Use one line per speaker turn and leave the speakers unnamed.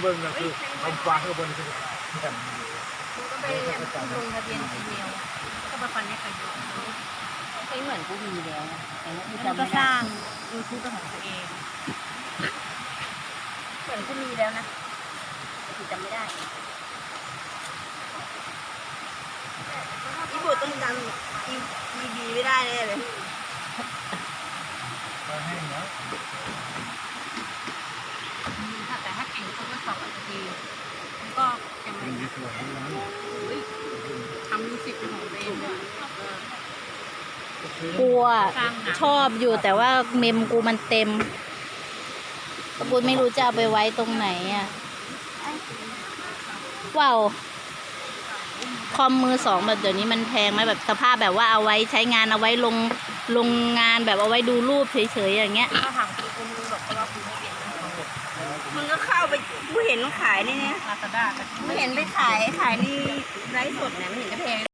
เบิ้งก็คือเอาฟ้าข้างบนคือแบบ
ก็ไปลงทะเบียนจีเมลก็มาฟันให้ใครดูใช้เหมือนกูมีแล้วแต่ว่ากูจำไม่ได้ก็สร้างยูทูบเป็นของตัวเองเหมือนกูมีแล้วนะแต่กูจำไม่ได้อีโบต้องจำอีบีไม่ได้เลย
ให้เนาะ
แต่ถ้าเก่งคนก็สอบดีก็ยังไงนะทำมิวสิกเป็นของตัวเองเลย
กูชอบอยู่แต่ว่าเมมกูมันเต็มกูไม่รู้จะเอาไปไว้ตรงไหนอ่ะว้าวคอมมือสองแบบเดี๋ยวนี้มันแพงไหมแบบสภาพแบบว่าเอาไว้ใช้งานเอาไว้ลงงานแบบเอาไว้ดูรูปเฉยๆอย่างเงี้ย
ถ้าถามกูมึงบอกว่ากูไม่เปลี่ยนมึงก็เข้าไปกูเห็นมันขายนี่เนี่ยลาซาด้าไม่เห็นไปขายในไลฟ์สดเนี่ยไม่เห็นจะแพง